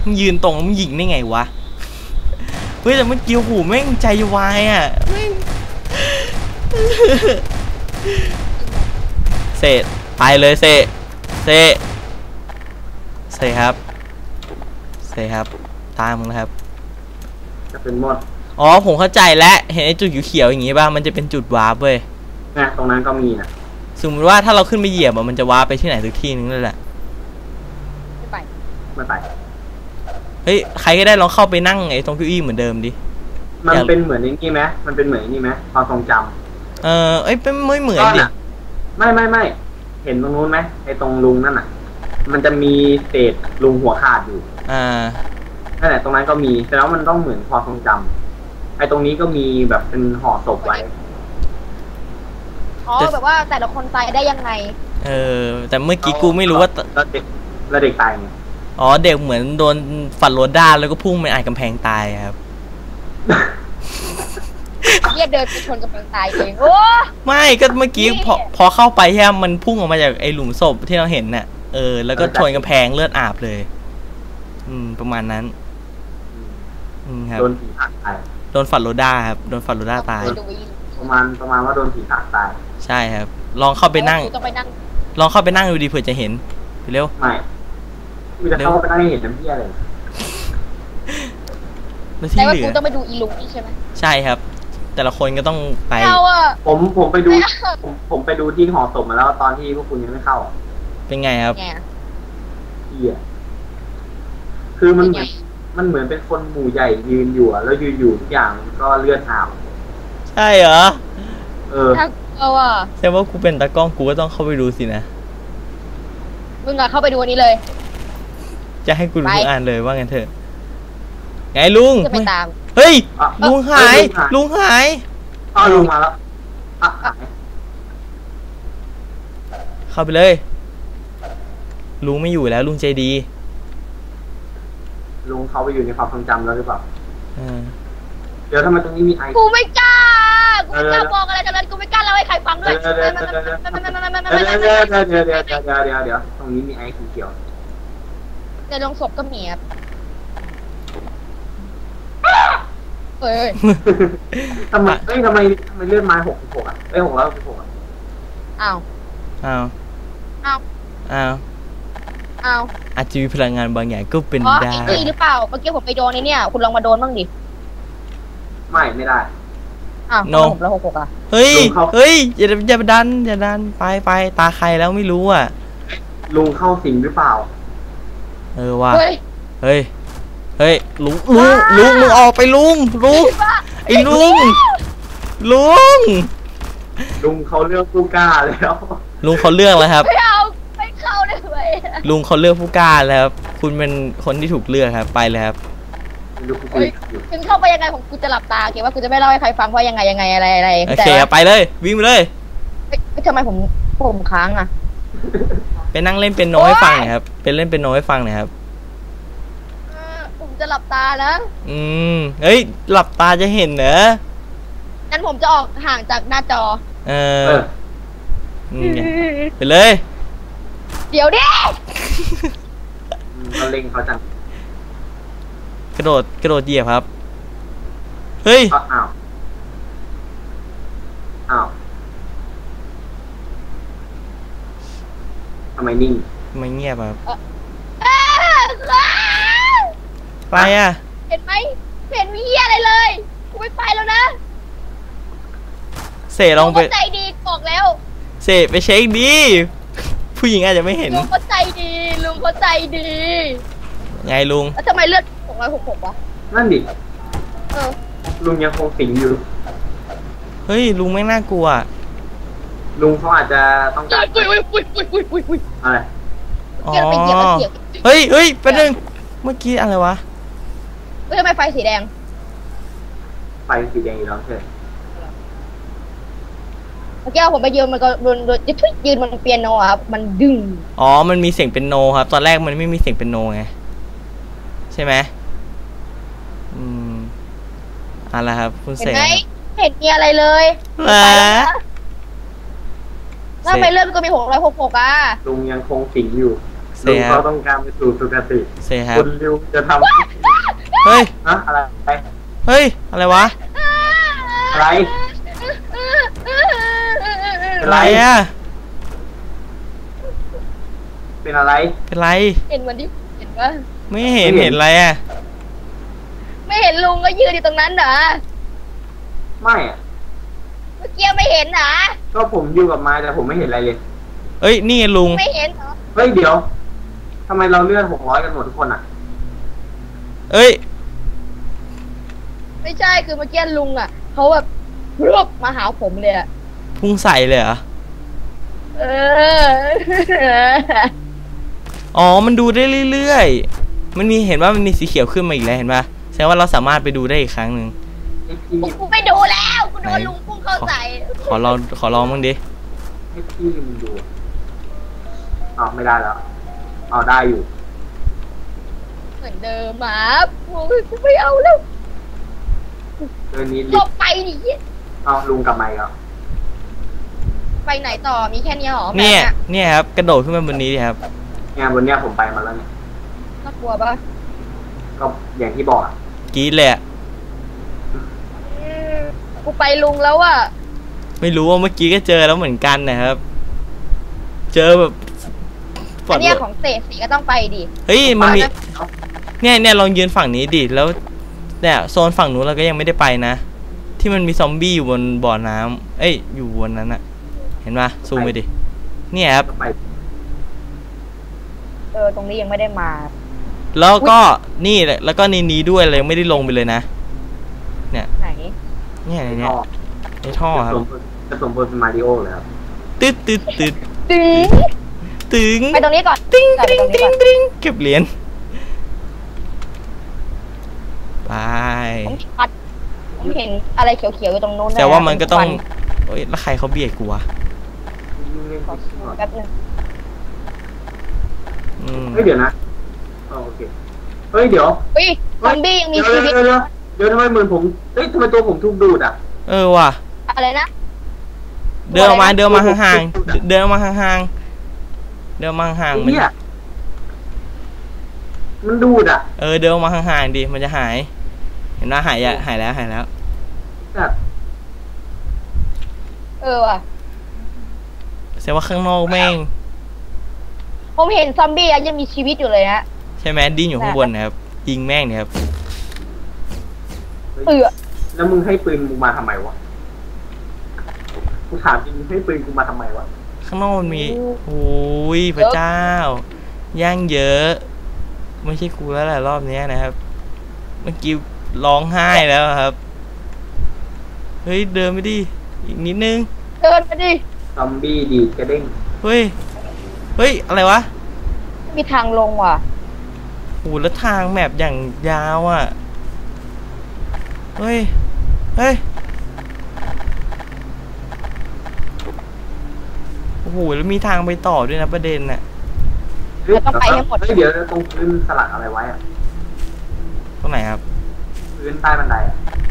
มึงยืนตรงมึงยิงได้ไงวะเฮ้ยแต่เมื่อกี้หูแม่งใจวายอ่ะแม่งเสร็จไปเลยเสร็จครับตามมึงนะครับจะเป็นหมดอ๋อผมเข้าใจแล้วเห็นไอ้จุดเขียวๆอย่างงี้ป่ะมันจะเป็นจุดวาร์ปเว้ยเนี่ยตรงนั้นก็มีนะสมมติว่าถ้าเราขึ้นไปเหยียบมันจะวาร์ปไปที่ไหนสักที่นึงนั่นแหละไม่ไปเฮ้ยใครก็ได้ลองเข้าไปนั่งไอ้ตรงเก้าอี้เหมือนเดิมดิมันเป็นเหมือนนี่ไหมมันเป็นเหมือนนี่ไหมความทรงจำเอ้ยเป็นไม่เหมือนดิไม่เห็นตรงนู้นไหมไอ้ตรงลุงนั่นน่ะมันจะมีเศษลุงหัวขาดอยู่นั่นแหละตรงนั้นก็มีแต่แล้วมันต้องเหมือนความทรงจำไอ้ตรงนี้ก็มีแบบเป็นห่อศพไว้แบบว่าแต่ละคนตายได้ยังไงแต่เมื่อกี้กูไม่รู้ว่าแล้วเด็กตายไงอ๋อเด็กเหมือนโดนฝันรถด้านแล้วก็พุ่งไปอัดกำแพงตายครับเดินไปชนกำแพงตายเองโอ้ไม่ก็เมื่อกี้พอเข้าไปใช่ไหมมันพุ่งออกมาจากไอ้หลุมศพที่เราเห็นน่ะแล้วก็ชนกำแพงเลือดอาบเลยประมาณนั้นครับโดนผีผลักตายโดนฝันรถด้าครับโดนฝันรถด้าตายประมาณว่าโดนผีผลักตายใช่ครับลองเข้าไปนั่งลองเข้าไปนั่งดูดิเผื่อจะเห็นเร็วไม่จะเข้าไปนั่งเห็นน้ำเพี้ยเลยแต่ว่ากูต้องไปดูอีลุงนี่ใช่ไหมใช่ครับแต่ละคนก็ต้องไปผมไปดูผมไปดูที่หอศพมาแล้วตอนที่พวกคุณยังไม่เข้าเป็นไงครับเหี้ยคือมันเหมือนเป็นคนหมู่ใหญ่ยืนอยู่แล้วยืนอยู่ทุกอย่างก็เลือดอาบใช่เหรอแสดงว่ากูเป็นตากล้องกูก็ต้องเข้าไปดูสินะมึงอะเข้าไปดูวันนี้เลยจะให้กูดูอ่านเลยว่างั้นเถอะไงลุงจะไปตามเฮ้ยลุงหายลุงมาแล้วเข้าไปเลยลุงไม่อยู่แล้วลุงใจดีลุงเขาไปอยู่ในความทรงจำแล้วหรือเปล่าเดี๋ยวทำไมตรงนี้มีไอกูไม่กล้าบอกอะไรกันเลยกูไม่กล้าเล่าให้ใครฟังด้วยเดี๋ยวตรงนี้มีไอเขียวในโรงศพก็มีครับทำไมเลื่อนไม้66อ่ะ666อ่ะอ้าวอาจจะมีพลังงานบางอย่างก็เป็นได้หรือเปล่าเมื่อกี้ผมไปโดนเนี่ยคุณลองมาโดนบ้างดิไม่ได้โนแล้ว66อ่ะเฮ้ยอย่าดันไปตาใครแล้วไม่รู้อ่ะลุงเข้าสิงหรือเปล่าว่ะเฮ้ยลุงมึงออกไปลุงไอ้ลุงเขาเลือกผู้กล้าแล้วลุงเขาเลือกแล้วครับไม่เข้าได้เลยลุงเขาเลือกผู้กล้าแล้วครับคุณเป็นคนที่ถูกเลือกครับไปเลยครับถึงเข้าไปยังไงผมกูจะหลับตาเกี่ยวว่ากูจะไม่เล่าให้ใครฟังว่ายังไงอะไรโอเคไปเลยวิ่งไปเลยทำไมผมค้างอ่ะไปนั่งเล่นเป็นโน้ให้ฟังหน่อยครับเป็นเล่นเป็นโน้ให้ฟังหน่อยครับผมจะหลับตานะเฮ้ยหลับตาจะเห็นเหรองั้นผมจะออกห่างจากหน้าจอไปเลยเดี๋ยวดิเขาเล็งเขาจังกระโดดเหยียบครับเฮ้ยอ้าวทำไมนิ่งทำไมเงียบครับไปอ่ะเห็นไหมเห็นมีเหี้ยอะไรเลยกูไม่ไปแล้วนะเสลองไปใจดีบอกแล้วเสไปเช็คดีผู้หญิงอาจจะไม่เห็นลุงเขาใจดีไงลุงแล้วทำไมเลือด666วะนั่นดิลุงยังคงสิงอยู่เฮ้ยลุงไม่น่ากลัวลุงเขาอาจจะต้องการอะไรเฮ้ยแป๊บนึงเมื่อกี้อะไรวะทำไมไฟสีแดงอีกแล้วใช่เมื่อกี้ผมไปยืนมันก็ยืนมันเปียโนครับมันดึงมันมีเสียงเป็นโนครับตอนแรกมันไม่มีเสียงเป็นโนไงใช่ไหมอะไรครับคุณเสกเห็นมีอะไรเลยแล้วทำไมเลือดก็มี666อ่ะลุงยังคงสิงอยู่เซลุงครัเขาบต้องการไปสู่สุคติเซครับคุณริวจะทเฮ้ยำอะอะไรเฮ้ยอะไรวะอะไรอะไรอ่ะเป็นอะไรเป็นไรเห็นเหมือนที่เห็นปะไม่เห็นเห็นอะไรอ่ะไม่เห็นลุงก็ยืนอยู่ตรงนั้นเหรอไม่อะเมื่อกี้ไม่เห็นเหรอก็ผมอยู่กับไม้แต่ผมไม่เห็นอะไรเลยเอ้ยนี่ไงลุงไม่เห็นเหรอเฮ้ยเดี๋ยวทำไมเราเลื่อน600กันหมดทุกคนอ่ะเอ้ยไม่ใช่คือเมื่อกี้ลุงอ่ะเขาแบบรวบมาหาผมเลยอะพุ่งใส่เลยเหรอเอออ๋อมันดูได้เรื่อยๆมันมีเห็นว่ามันมีสีเขียวขึ้นมาอีกแล้วเห็นป่ะแสดงว่าเราสามารถไปดูได้อีกครั้งหนึ่งให้พี่กูไม่ดูแล้วกูโดนลุงพุ่งเข้าใส่ขอลองบ้างดิให้พี่มึงดูอ้าวไม่ได้แล้วเอาได้อยู่เหมือนเดิมหมากูไม่เอาแล้วเรื่องนี้หลบไปดิเอาลุงกลับมาอีกแล้วไปไหนต่อมีแค่นี้หรอเนี่ยแบบเนี่ยครับกระโดดขึ้นมาบนนี้ดิครับงานบนเนี้ยผมไปมาแล้วเนี่ยน่ากลัวปะก็อย่างที่บอกอะกรี๊ดเลยอะกูไปลุงแล้วอะไม่รู้ว่าเมื่อกี้ก็เจอแล้วเหมือนกันนะครับ เจอแบบอันเนี้ยของเศษสีก็ต้องไปดิเฮ้ยมันมีไปนะเนี่ยลองยืนฝั่งนี้ดิแล้วเนี่ยโซนฝั่งนู้นเราก็ยังไม่ได้ไปนะ ที่มันมีซอมบี้อยู่บนบ่อน้ำเอ้ยอยู่บนนั้นอะเห็นปะซูมไปดิเนี่ยครับไปตรงนี้ยังไม่ได้มาแล้วก็นี่แหละแล้วก็ในนี้ด้วยเลยไม่ได้ลงไปเลยนะไหนเนี่ยในท่เนี้ยอในท่อครับจะสมบูรณ์เป็นมาริโอเลยครับตึ๊ดตึ๊ดตึ๊ดตึงตึงไปตรงนี้ก่อนติ้งไปติ้งตรงนี้ติ้ก่งอนติ้งเก็บเหรียญไปผมเห็นอะไรเขียวๆอยู่ตรงนู้นแต่ว่ามันก็ต้องโอ้ยแล้วใครเขาเบียดกูวะขอแป๊บนึงอืมเฮ้ยเดี๋ยวนะอ๋อโอเคเฮ้ยเดี๋ยวอุ้ยซอมบี้ยังมีชีวิตเดี๋ยวทำไมเหมือนผมเฮ้ยทำไมตัวผมถูกดูดอ่ะเออว่ะอะไรนะเดินออกมาห่างๆเดินออกมาห่างๆเดินมาห่างๆมันเนี่ยมันดูดอ่ะเดินออกมาห่างๆดิมันจะหาย เห็นว่าหายแล้วหายแล้วแบบว่ะแสดงว่าข้างนอกแม่งผมเห็นซอมบี้ยังมีชีวิตอยู่เลยฮะใช่ไหมดิ้นอยู่ข้างบนนะครับยิงแม่งเนี่ยครับแล้วมึงให้ปืนกูมาทำไมวะกูถามจริงมึงให้ปืนกูมาทำไมวะข้างนอกมันมีโอ้ยพระเจ้าย่างเยอะ ไม่ใช่กูแล้วแหละรอบนี้นะครับ เมื่อกี้ร้องไห้แล้วครับ เฮ้ยเดินไปดิอีกนิดนึงเดินไปดิซอมบี้ดีดกระเด้งเฮ้ยอะไรวะมีทางลงว่ะโหแล้วทางแมปอย่างยาวอ่ะเฮ้ยโอ้โหแล้วมีทางไปต่อด้วยนะประเด็นน่ะเราต้องไปให้หมดเดี๋ยวตรงพื้นสลักอะไรไว้อะตรงไหนครับพื้นใต้บันไดอะ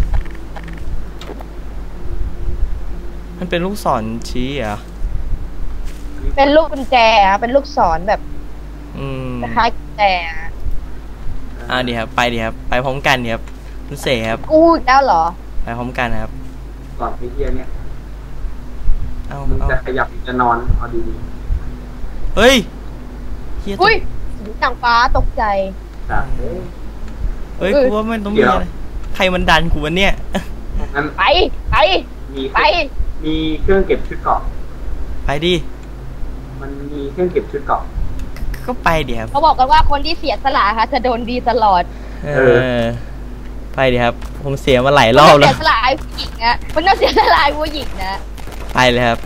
มันเป็นลูกศรชี้เหรอเป็นลูกกุญแจอะเป็นลูกศรแบบอืมคล้ายๆกุญแจอะดีครับไปครับไปพร้อมกันดีครับคุณเสครับกู้อีกแล้วเหรอไปพร้อมกันครับก่อนไปเที่ยเนี่ยเอามึงจะขยับจะนอนเอาดีเฮ้ยเฮียอุ้ยหนังฟ้าตกใจๆแต่เฮ้ยกูว่ามันต้องมีอะไรใครมันดันกูวะเนี่ยงั้นไปมีไปมีเครื่องเก็บชุดเกราะไปดิมันมีเครื่องเก็บชุดเกราะก็ไปดิครับเขาบอกกันว่าคนที่เสียสละค่ะจะโดนดีตลอดไปดิครับผมเสียมาหลายรอบแล้วเสียสละไอ้ผู้หญิงนะมันต้องเสียสละไอ้ผู้หญิงนะไปเลยครับ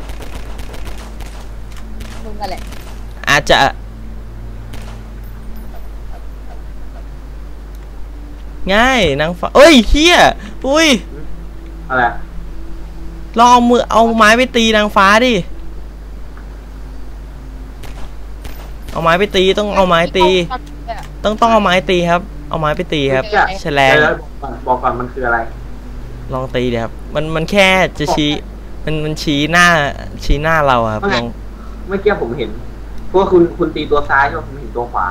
มึงอะไรอาจจะง่ายนางฟ้าเอ้ยเฮียอุ้ยอะไรลองเอาไม้ไปตีนางฟ้าดิเอาไม้ไปตีต้องเอาไม้ตีต้องเอาไม้ตีครับ เอาไม้ไปตีครับแฉลงแล้วบอกก่อนมันคืออะไรลองตีดิครับมันแค่จะชี้มันชี้หน้าเราอะครับลองเมื่อกี้ผมเห็นพว่าคุณตีตัวซ้ายใช่ไหมผมเห็นตัวขวา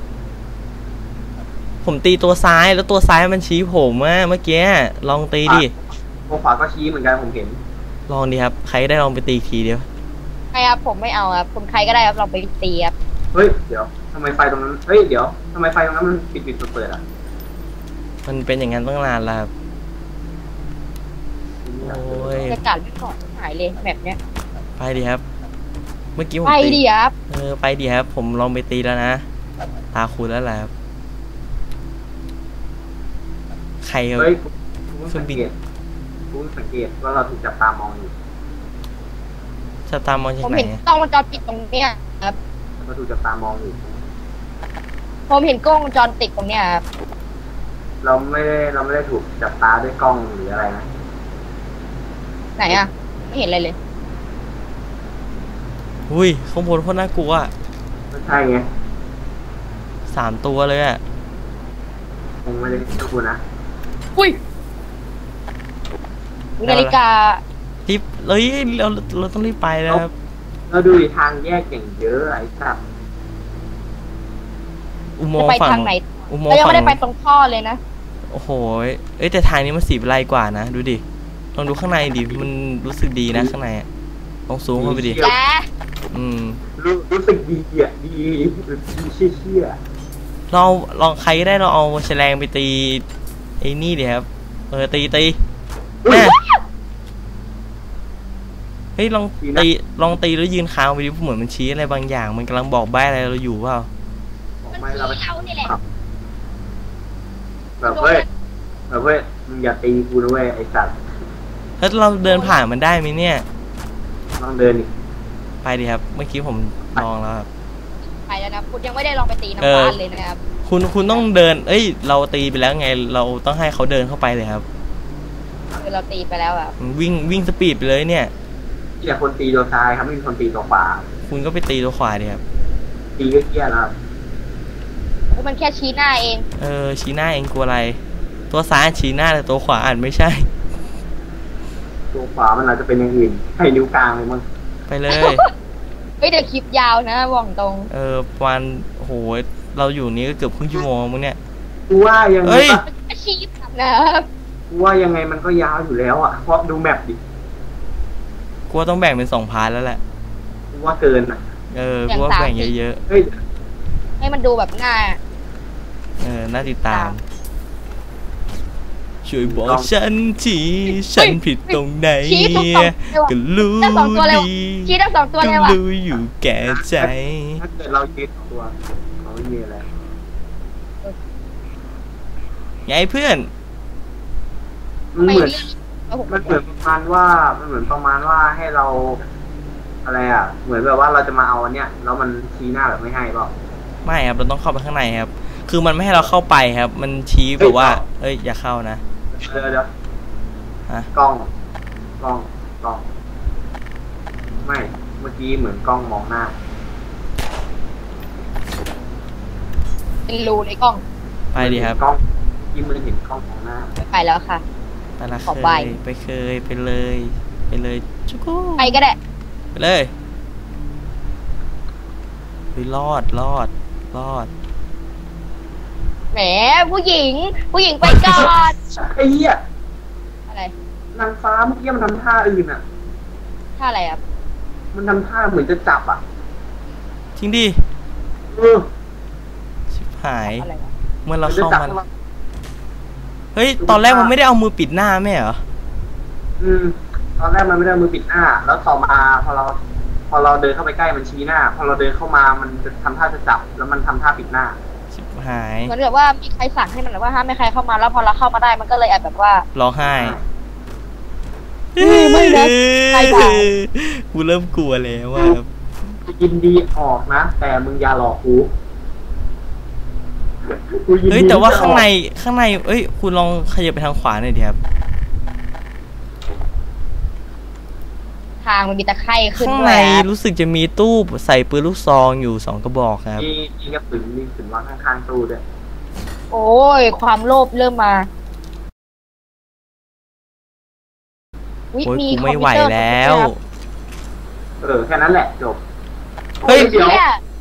ผมตีตัวซ้ายแล้วตัวซ้ายมันชี้ผมอะเมื่อกี้ลองตีดิตัวขวาก็ชี้เหมือนกันผมเห็นลองดิครับใครได้ลองไปตีอีกทีเดียวใครครับผมไม่เอาครับผมใครก็ได้ครับลองไปตีครับเฮ้ยเดี๋ยวทำไมไฟตรงนั้นเฮ้ยเดี๋ยวทำไมไฟตรงนั้นมันปิดเปิดอ่ะมันเป็นอย่างนั้นตั้งนานแล้วครับโอ้ยจะกัดไม่ก่อนหายเลยแบบเนี้ยไปดิครับ เมื่อกี้ผมไปตีดิครับไปดิครับผมลองไปตีแล้วนะตาคุณแล้วแหละครับใครเฮ้ยคุณสังเกตว่าเราถูกจับตามองอยู่จะตามมองจากผมไหนเห็นกล้องวงจรปิดตรงเนี้ยครับเราถูกจับตามองอยู่ผมเห็นกล้องวงจรปิดตรงเนี้ยครับเราไม่ได้ถูกจับตาด้วยกล้องหรืออะไรนะไหนอ่ะไม่เห็นอะไรเลยอุ้ยข้างบนโคตรน่ากลัวไม่ใช่ไง 3 ตัวเลยอะคงไม่ได้ดูคุณนะอุ้ยนาฬิการีบเลยเราต้องรีบไปแล้วครับเราดูทางแยกอย่างเยอะไอ้สัตว์อุโมจะงไปค์ฝั่งทางไหนอุโมงเราค์ยังฝั่ไม่ได้ไปงตรงท่อเลยนะโอ้โหแต่ทางนี้มันสีไรกว่านะดูดิลองดูข้างในดิมันรู้สึกดีนะข้างในอะลองซูมเข้าไปดิและรู้สึกดีอ่ะดีเชี่ยเราลองใครก็ได้เราเอาแฉลงไปตีไอ้นี่ดิครับตีแม่เฮ้ยลองตีแล้วยืนค้างไปดิเหมือนมันชี้อะไรบางอย่างมันกำลังบอกใบ้อะไรเราอยู่เปล่ามันไม่เราชี้เรานี่แหละแบบเว้ยมึงอย่าตีกูนะเว้ยไอ้สัตว์แล้วเราเดินผ่านมันได้ไหมเนี่ยลองเดินอีกไปดิครับเมื่อกี้ผมลองแล้วครับไปแล้วนะคุณยังไม่ได้ลองไปตีน้ำบ้านเลยนะครับคุณต้องเดินเราตีไปแล้วไงเราต้องให้เขาเดินเข้าไปเลยครับคือเราตีไปแล้วอ่ะวิ่งสปีดไปเลยเนี่ยอย่าคนตีตัวซ้ายครับไม่มีคนตีตัวขวาคุณก็ไปตีตัวขวาดิครับตีก็เกี้ยแล้วมันแค่ชี้หน้าเองชี้หน้าเองกลัวอะไร ตัวซ้ายชี้หน้าแต่ตัวขวาอ่านไม่ใช่ตัวขวามันอาจจะเป็นอย่างอื่นให้นิ้วกลางเลยมั้งไปเลยเฮ้ยเดี๋ยวคลิปยาวนะบอกตรงประมาณโหเราอยู่นี้ก็เกือบครึ่งชั่วโมงมึงเนี่ยกูว่ายังไงอาชีพนะครับกูว่ายังไงมันก็ยาวอยู่แล้วอ่ะเพราะดูแมปดิกลัวต้องแบ่งเป็น2 พาร์ทแล้วแหละกูว่าเกินอ่ะกลัวแบ่งเยอะเฮ้ยให้มันดูแบบหน้าน่าติดตาม ช่วยบอกฉันทีฉันผิดตรงไหนชี้ทุกสองตัวก็รู้ทั้งสองตัวเลยดีชี้ทั้ง2 ตัวก็เลยว่ะรู้อยู่แก่ใจถ้าเกิดเรายืนตัวเขาไม่มีอะไรไงเพื่อนมันไม่เหมือนเรื่องมันเหมือนประมาณว่าให้เรา อะไรอ่ะ เหมือนแบบว่าเราจะมาเอาอันเนี้ยแล้วมันชี้หน้าแบบไม่ให้เปล่าไม่ครับเราต้องเข้าไปข้างในครับ คือมันไม่ให้เราเข้าไปครับ มันชี้แบบว่าอย่าเข้านะเดี๋ยวฮะกล้องไม่เมื่อกี้เหมือนกล้องมองหน้าเป็นรูในกล้องไปดิครับกล้องที่มือเห็นกล้องมองหน้าไปแล้วค่ะไปละขอใบไปเลยจุกุไปก็ได้ไปเลยไปรอดแหมผู้หญิงไปก่อนไอ้เหี้ยอะไรนางฟ้าเมื่อกี้มันทำท่าอื่นอ่ะท่าอะไรครับมันทำท่าเหมือนจะจับอ่ะทิ้งดิ ชิบหายอะไรวะเมื่อเราเข้ามันเฮ้ยตอนแรกมันไม่ได้เอามือปิดหน้าแม่เหรอตอนแรกมันไม่ได้มือปิดหน้า แล้วต่อมาพอเราเดินเข้าไปใกล้มันชี้หน้า พอเราเดินเข้ามามันจะทำท่าจะจับ แล้วมันทำท่าปิดหน้าชิบหายเหมือนแบบว่ามีใครสั่งให้มันแบบว่าห้ามไม่ใครเข้ามาแล้วพอเราเข้ามาได้มันก็เลยแอบแบบว่าร้องไห้ไม่นะใครด่ากูเริ่มกลัวแล้วว่ายินดีออกนะ แต่มึงอย่าหลอกกูยินดีแต่ว่าข้างในคุณลองขยับไปทางขวาหน่อยดิครับทางมันมีตะไคร่ขึ้นข้างด้ในวยอะรู้สึกจะมีตู้ใส่ปืนลูกซองอยู่2 กระบอกครับมีกระสุนวางข้างๆตู้ด้วยโอ้ยความโลภเริ่มมาโอ้ยกูไม่ไหวแล้วแค่นั้นแหละจบเฮ้ยเดี๋ยวเนี่ย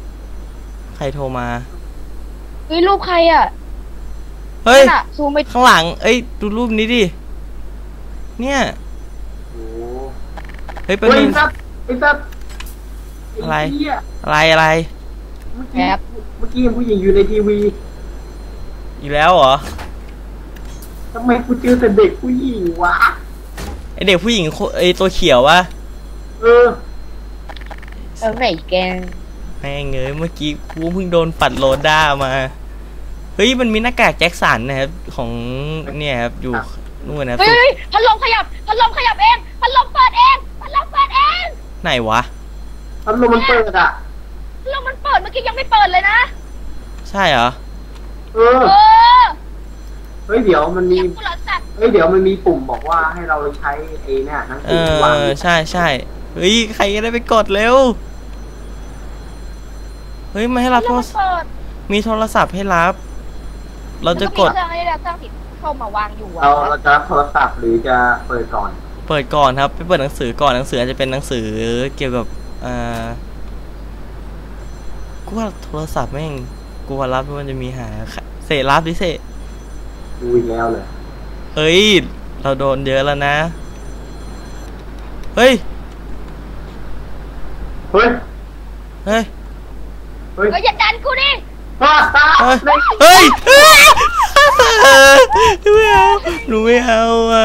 ใครโทรมาเฮ้ยรูปใครอ่ะเฮ้ยนั่นอะซูมไปข้างหลังเอ้ยดูรูปนี้ดิเนี่ยโอ้เฮ้ยไเป็นอ้ซับไอ้ซับอะไรไเหี้ยอะไรเมื่อกี้ผู้หญิงอยู่ในทีวีอีกแล้วเหรอทำไมกูเจอแต่เด็กผู้หญิงวะไอเด็กผู้หญิงไอตัวเขียววะเออไหนแกแม่งเงยเมื่อกี้กูเพิ่งโดนปัดโลด้ามาเฮ้ยมันมีหน้ากากแจ็คสันนะครับของเนี่ยครับอยู่นู่นนะครับเฮ้ยพัดลมขยับเองพัดลมเปิดเองไหนวะพัดลมมันเปิดอ่ะพัดลมมันเปิดเมื่อกี้ยังไม่เปิดเลยนะใช่เหรอเออเออเฮ้ยเดี๋ยวมันมีเสียงกูเหรอสัตว์เฮ้ยเดี๋ยวมันมีปุ่มบอกว่าให้เราใช้ไอ้เนี่ยหนังสือวางใช่เฮ้ยใครก็ได้ไปกดเร็วเฮ้ยมาให้รับพัดโทลรมมันเปิดมีโทรศัพท์ให้รับ เราจะกดแล้วมีเครื่องให้เราตั้งติดเข้ามาวางอยู่อะเราจะรับโทรศัพท์หรือจะเปิดก่อนเปิดก่อนครับไปเปิดหนังสือก่อนหนังสืออาจจะเป็นหนังสือเกี่ยวกับกูว่าโทรศัพท์แม่งกูว่ารับมันจะมีหาเสรับดิเสดูอีกแล้วเลยเฮ้ยเราโดนเยอะแล้วนะเฮ้ยเฮ้ยเฮ้ยเฮ้ยเฮ้ยอย่าดันกูดิเฮ้ยไม่เอาหนูไม่เอาอ่ะ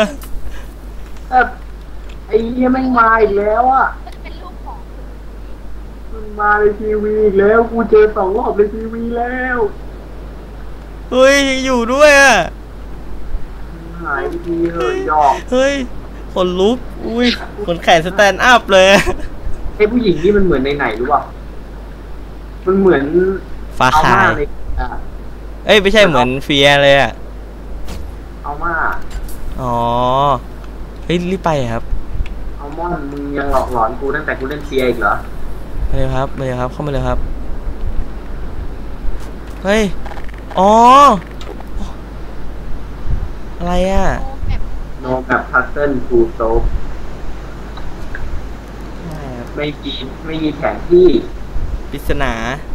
ไอ้เหี้ยแม่งมาอีกแล้วอ่ะมันเป็นรูปของมันมาในทีวีอีกแล้วกูเจอ2 รอบในทีวีแล้วเฮ้ยอยู่ด้วยอ่ะหายไปทีเฮ้ยหยอกเฮ้ยขนลุกอุ้ยขนแขนสแตนด์อัพเลยไอ้ผู้หญิงนี่มันเหมือนในไหนรู้ป่ะมันเหมือนฟ้าเอาคาม่าย ในเอ้ยไม่ใช่เหมือนเฟียเลยอ่ะเอาม่าอ๋อเฮ้ยรีบไปครับเอาม่อนมึงยังหลอกหลอนกูตั้งแต่กูเล่นเฟียอีกเหรอมาเลยครับเข้ามาเลยครับเฮ้ยอ๋ออะไรอ่ะโอ้แบบโนแบบพัซเซิลฟูโซไม่มีแผนที่ปริศนา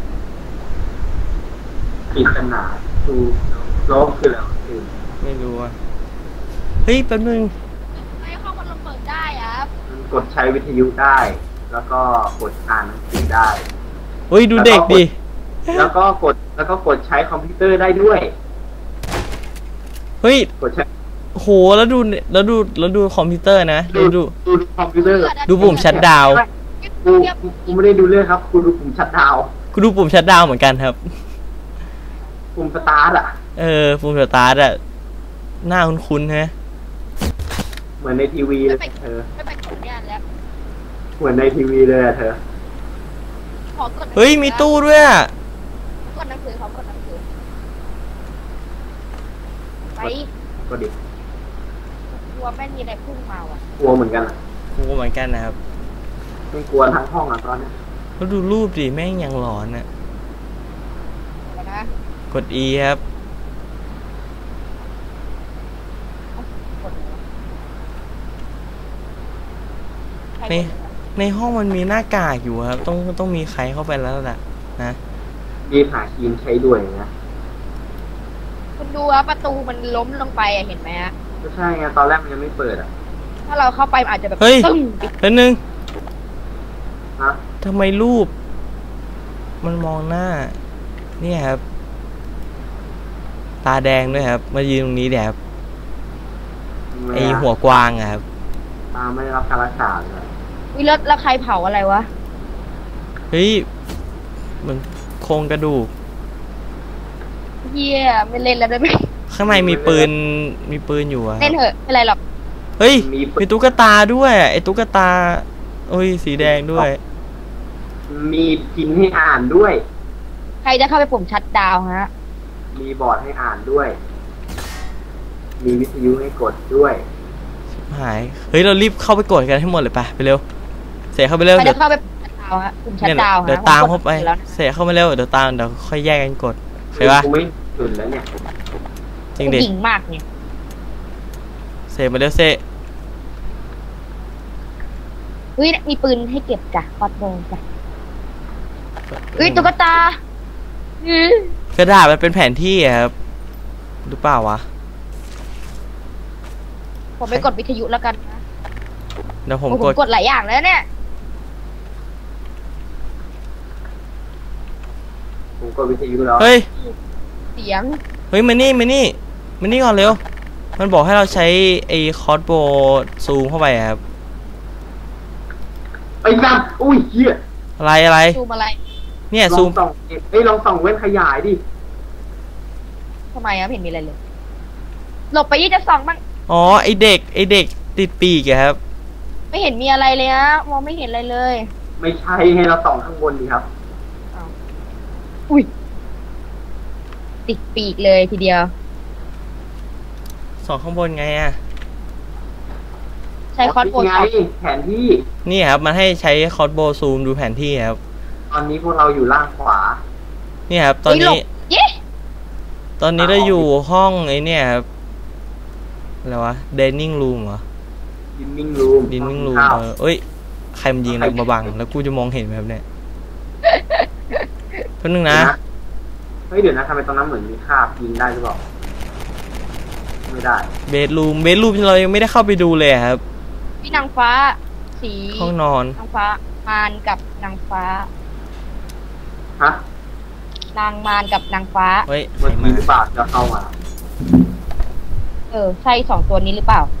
ปริศนาฟูโซคืออะไรคือไม่รู้อ่ะเฮ้ยแป๊บนึงไอ้ห้องพัดลมเปิดได้อะครับมันกดใช้วิทยุได้ แล้วก็กดอ่านหนังสือได้เฮ้ยดูเด็กดิแล้วก็กดใช้คอมพิวเตอร์ได้ด้วยเฮ้ยกดใช้โหแล้วดูคอมพิวเตอร์นะดูคอมพิวเตอร์ดูปุ่มชัตดาวน์กูไม่ได้ดูเรื่องครับกูดูปุ่มชัตดาวน์กูดูปุ่มชัตดาวน์เหมือนกันครับปุ่มสตาร์ทอ่ะปุ่มสตาร์ทอะหน้าคุ้นๆฮะเหมือนในทีวีเลยเธอไม่ไปกดงานแล้วเหมือนในทีวีเลยอะเธอขอกดเฮ้ยมีตู้ด้วยอะกดหนังสือขอกดหนังสือไปก็ดิกลัวแม่งมีอะไรพุ่งมาว่ะกลัวเหมือนกันอ่ะกูเหมือนกันนะครับไม่กลัวทั้งห้องอ่ะตอนเนี้ยแล้วดูรูปดิแม่งยังหลอนอะเดี๋ยวนะกด E ครับกดใครกดในห้องมันมีหน้ากากอยู่ครับต้องมีใครเข้าไปแล้วล่ะนะรีบหาครีมใช้ด้วยนะคุณดูว่าประตูมันล้มลงไปอะเห็นไหมฮะก็ใช่ไงตอนแรกมันยังไม่เปิดอ่ะถ้าเราเข้าไปมันอาจจะแบบเฮ้ยตึ้งปิดแป๊บนึงฮะทำไมรูป มันมองหน้า เนี่ยครับ ตาแดงด้วยครับมายืนตรงนี้เดี๋ยวครับไอหัวกวางอะครับตาไม่ได้รับการรักษาเลยวิแล้วใครเผาอะไรวะเฮ้ยมันโครงกระดูกเฮียไม่เล่นแล้วได้ไหมข้างในมีปืนอยู่อะคเล่รับนเถอะไม่เป็นไรหรอกเฮ้ยมีตุ๊กตาด้วยไอตุ๊กตาโอ้ยสีแดงด้วยมีพิมพ์ให้อ่านด้วยใครจะเข้าไปปุ่มชัดดาวน์ฮะมีบอร์ดให้อ่านด้วย มีวิทยุให้กดด้วยหายเฮ้ยเรารีบเข้าไปกดกันให้หมดเลยไปเร็วเสียเข้าไปเร็วใครเดี๋จะยวเข้าไปปุ่มชัดดาวน์ฮะปุ่มชัดเนี่ยดาวน์ฮะเดี๋ยวตามเข้าไปผมกดแล้วนะเสียเข้ามาเร็วเดี๋ยวค่อยแยกกันกดใช่ปะกูไม่ตื่นแล้วเนี่ยจริงดิผู้หญิงมากเนี่ยเสียมาเร็วเซเฮ้ยมีปืนให้เก็บจ้ะคอดโบจ้ะเฮ้ยตุ๊กตากระดาษมันเป็นแผนที่ครับหรือเปล่าวะผมไปกดวิทยุแล้วกันนะเดี๋ยวผมผมกดกดหลายอย่างแล้วเนี่ยผมกดวิทยุแล้วเฮ้ยเสียงเฮ้ยมานี่ก่อนเร็วมันบอกให้เราใช้ไอ้คอร์สโบซูมเข้าไปครับไอ้สัตว์อุ้ยเหี้ยอะไรซูมอะไรเนี่ยลซูองมส่องลองส่องเว้นขยายดิทำไมอะไม่เห็นมีอะไรเลย หลบไปยี่จะส่องบ้างอ๋อไอเด็กติดปีกอะครับไม่เห็นมีอะไรเลยนะมองไม่เห็นอะไรเลยไม่ใช่ให้เราส่องข้างบนดีครับอุ้ยติดปีกเลยทีเดียวสองข้างบนไงอะใช้คอร์สโบไงส่องแผนที่นี่ครับมันให้ใช้คอร์สโบซูมดูแผนที่ครับตอนนี้พวกเราอยู่ล่างขวานี่ครับตอนนี้เย้ตอนนี้เราอยู่ห้องไอเนี่ยครับอะไรวะ dining room เหรอดินนิ่งรูม dining room เอ้ยใครมันยิงอะไรมาบังแล้วกูจะมองเห็นไหมครับเนี่ยแป๊บนึงนะเฮ้ยเดี๋ยวนะทำไมตรงนั้นเหมือนมีคราบยิงได้หรือเปล่าไม่ได้เบดรูมเรายังไม่ได้เข้าไปดูเลยครับพี่นางฟ้า สีห้องนอนนางฟ้ามารกับนางฟ้าฮะนางมารกับนางฟ้าเฮ้ยใคเมื่รอมากี้หรือเปล่าจะเข้ามาใช่สองตัวนี้หรือเปล่า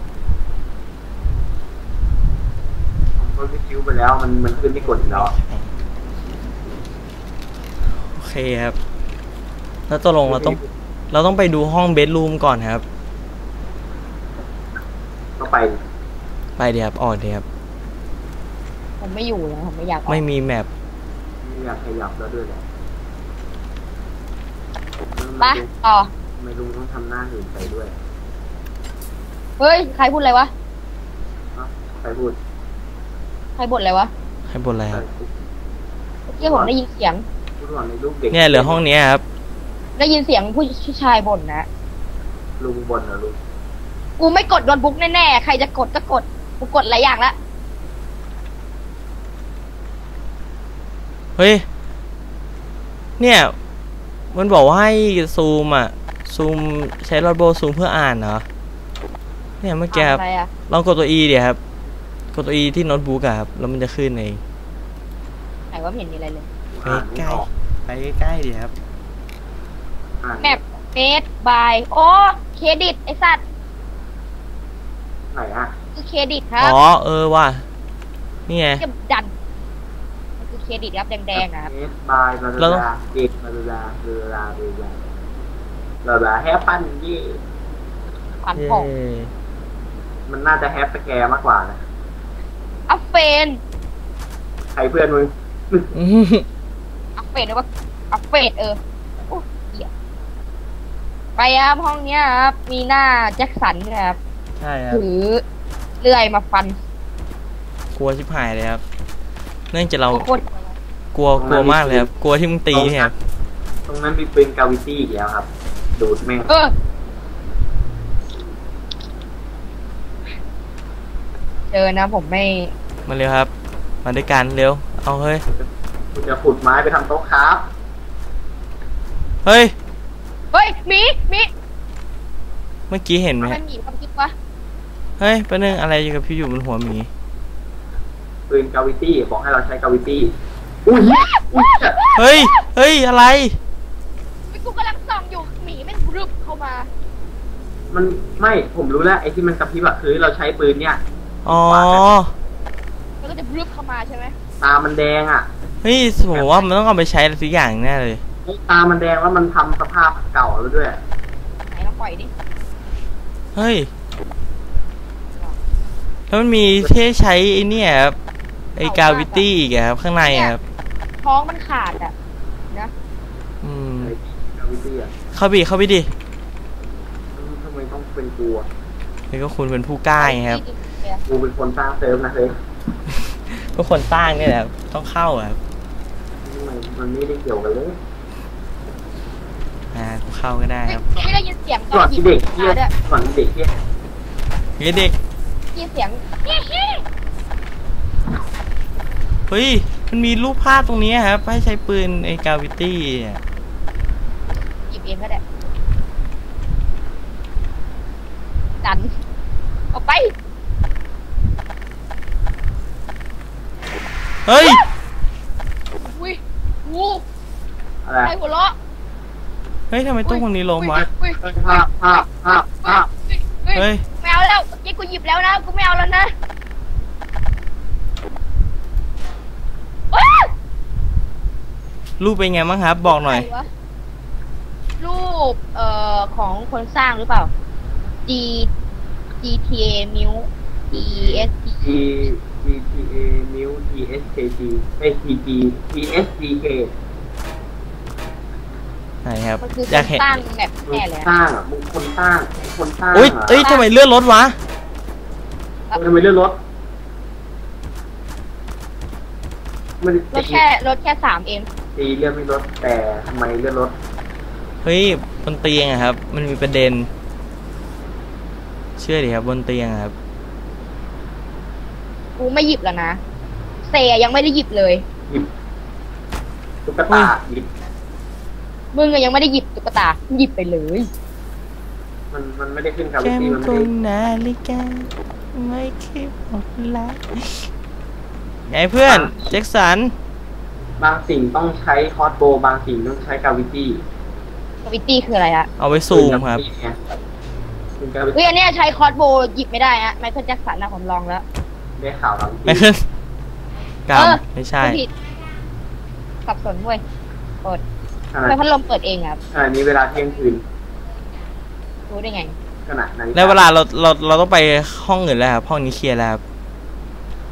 ผมก็วิคิวไปแล้วมันขึ้นที่กดอีกแล้วโอเคครับแล้วตกลงเราต้องไปดูห้องเบดรูมก่อนครับก็ไปไปเดี๋ยวครับออกเดี๋ยวครับผมไม่อยู่แล้วผมไม่อยากออกไม่มีแมปไม่อยากขยับแล้วด้วยแหละไปต่อทำไมลุงต้องทำหน้าหื่นไปด้วยเฮ้ย ใครพูดอะไรวะใครพูดใครบ่นอะไรวะให้บนอะไรครับเมื่อกี้ผมได้ยินเสียงพูดว่าในลูกเด็กเนี่ยเหลือห้องนี้ครับได้ยินเสียงผู้ชายบ่นนะลุงบนเหรอลุงกูไม่กดโดนบุ๊กแน่ๆ ใครจะกดก็กด กูกดหลายอย่างละเฮ้ยเนี่ยมันบอกว่าให้ซูมอ่ะซูมใช้รอดโบซูมเพื่ออ่านเหรอเนี่ยเมื่อกี้ครับอะไรอะลองกดตัว E เดี๋ยวครับกดตัว E ที่โน้ตบุ๊กอะครับแล้วมันจะขึ้นเองไหนว่าไม่เห็นมีอะไรเลยไปใกล้ไปใกล้ดิครับแมปเฟสบาย โอ้เครดิต ไอสัตว์ไหนอ่ะคือเครดิตครับอ๋อว่ะนี่ไงจะดัน มันคือเครดิตครับแดงๆนะครับเอสบายบาลาเด็กบาลาแฮปปั้นยี่ขวัญผ่องมันน่าจะแฮปสแกร์มากกว่านะอัฟเฟนใครเพื่อนมึงอัฟเฟนหรือว่าอัฟเฟนโอ้เหี้ยไปครับห้องเนี้ยครับ มีหน้าแจ็คสันนะครับใช่ครับถือเลื่อยมาฟันกลัวชิบหายเลยครับเนื่องจากเราโคตรกลัวมากเลยครับกลัวที่มึงตีเนี่ยครับตรงนั้นมีปืนกาวิตี้อีกแล้วครับ ดูดแม่งเจอนะผมไม่มาเร็วครับมาด้วยกันเร็วเอาเฮ้ยคุณจะขุดไม้ไปทำโต๊ะครับเฮ้ยเฮ้ยหมีเมื่อกี้เห็นไหมมันหมีความคิดวะเฮ้ยแป๊บนึงอะไรอยู่กับพี่อยู่บนหัวหมีปืนกาวิตี้บอกให้เราใช้กาวิตี้อุ้ยเฮ้ยอะไรกูกำลังส่องอยู่หมีแม่งรึบเข้ามามันไม่ผมรู้แล้วไอ้ที่มันกระพริบอะคือเราใช้ปืนเนี่ยอ๋อแล้วก็จะรึบเข้ามาใช่ไหมตามันแดงอะเฮ้ยผมว่ามันต้องเอาไปใช้อะไรสักอย่างแน่เลยตามันแดงแล้วมันทำสภาพเก่าแล้วด้วยไหนลองปล่อยดิเฮ้ยแล้วมันมีที่ใช้ไอ้เนี่ยครับไอ้กาวิตี้อีกอะครับข้างในอะครับท้องมันขาดอ่ะนะอืมไอ้กาวิตี้อะเข้าไปดิทำไมต้องเป็นกูอะนี่ก็คุณเป็นผู้กล้าไงครับกูเป็นคนสร้างเซิร์ฟนะเฮ้ยทุกคนสร้างเนี่ยแหละต้องเข้าอะครับมันไม่ได้เกี่ยวกันเลยกูเข้าก็ได้ครับไม่ได้ยินเสียงตก่ออนนหยิบที่เด็กเที่ยด้วยก่อนที่เด็กเที่ยเฮ้ยเด็กยินเสียงเฮ้ยมันมีรูปภาพตรงนี้ครับให้ใช้ปืนไอ้กาวิตี้เนี่ยเองก็ได้ดันออกไปเฮ้ยอุ้ยงูอะไรใครหัวเราะเฮ้ยทำไมตู้คนนี้ล้มวะอุ้ยภาพเฮ้ยไม่เอาแล้วยี่กูหยิบแล้วนะกูไม่เอาแล้วนะว้ารูปเป็นไงบ้างครับ บอกหน่อยใครวะรูปของคนสร้างหรือเปล่า G GTA Mil EST G GTA New TSKG ไอ TG TSDK ไหนครับมันคืออยากคนเห็นสร้างแบบแน่เลยสร้างอ่ะมึงคนสร้างคนสร้างอุ้ยอ่ะเอ้ยทำไมเลื่อนรถวะทำไมเลื่อนรถมันรถแค่3เองตีเลื่อนไม่ลดแต่ทำไมเลื่อนรถเฮ้ยบนเตียงอะครับ มันมีประเด็น เชื่อดิครับบนเตียงอะครับกูไม่หยิบแล้วนะเซยังไม่ได้หยิบเลยหยิบตุ๊กตาหยิบมึงอะยังไม่ได้หยิบตุ๊กตาหยิบไปเลยมันไม่ได้ขึ้นครับแก้มพี่มันกไม่งได้นาฬิกาไม่คิดออกละไงเพื่อนแจ็คสันบางสิ่งต้องใช้คอร์สโบบางสิ่งต้องใช้กาวิตี้กาวิตี้คืออะไรอะเอาไว้ซูมครับคุณกาวิเฮ้ยตี้อันเนี้ยใช้คอร์สโบว์หยิบไม่ได้อะไมเคิลแจ็คสันนะผมลองแล้วได้ข่าวกาวิไม่ตี้ขึ้นกเออำไม่ใช่กูผิดสับสนเว้ยเปิดขทำณะไมพัดลมเปิดเองอะครับขณะนี้เวลาเที่ยงคืนรู้ได้ไงขณะนั้นแล้วเวลาเราต้องไปห้องอื่นแล้วครับห้องนี้เคลียร์แล้วครับ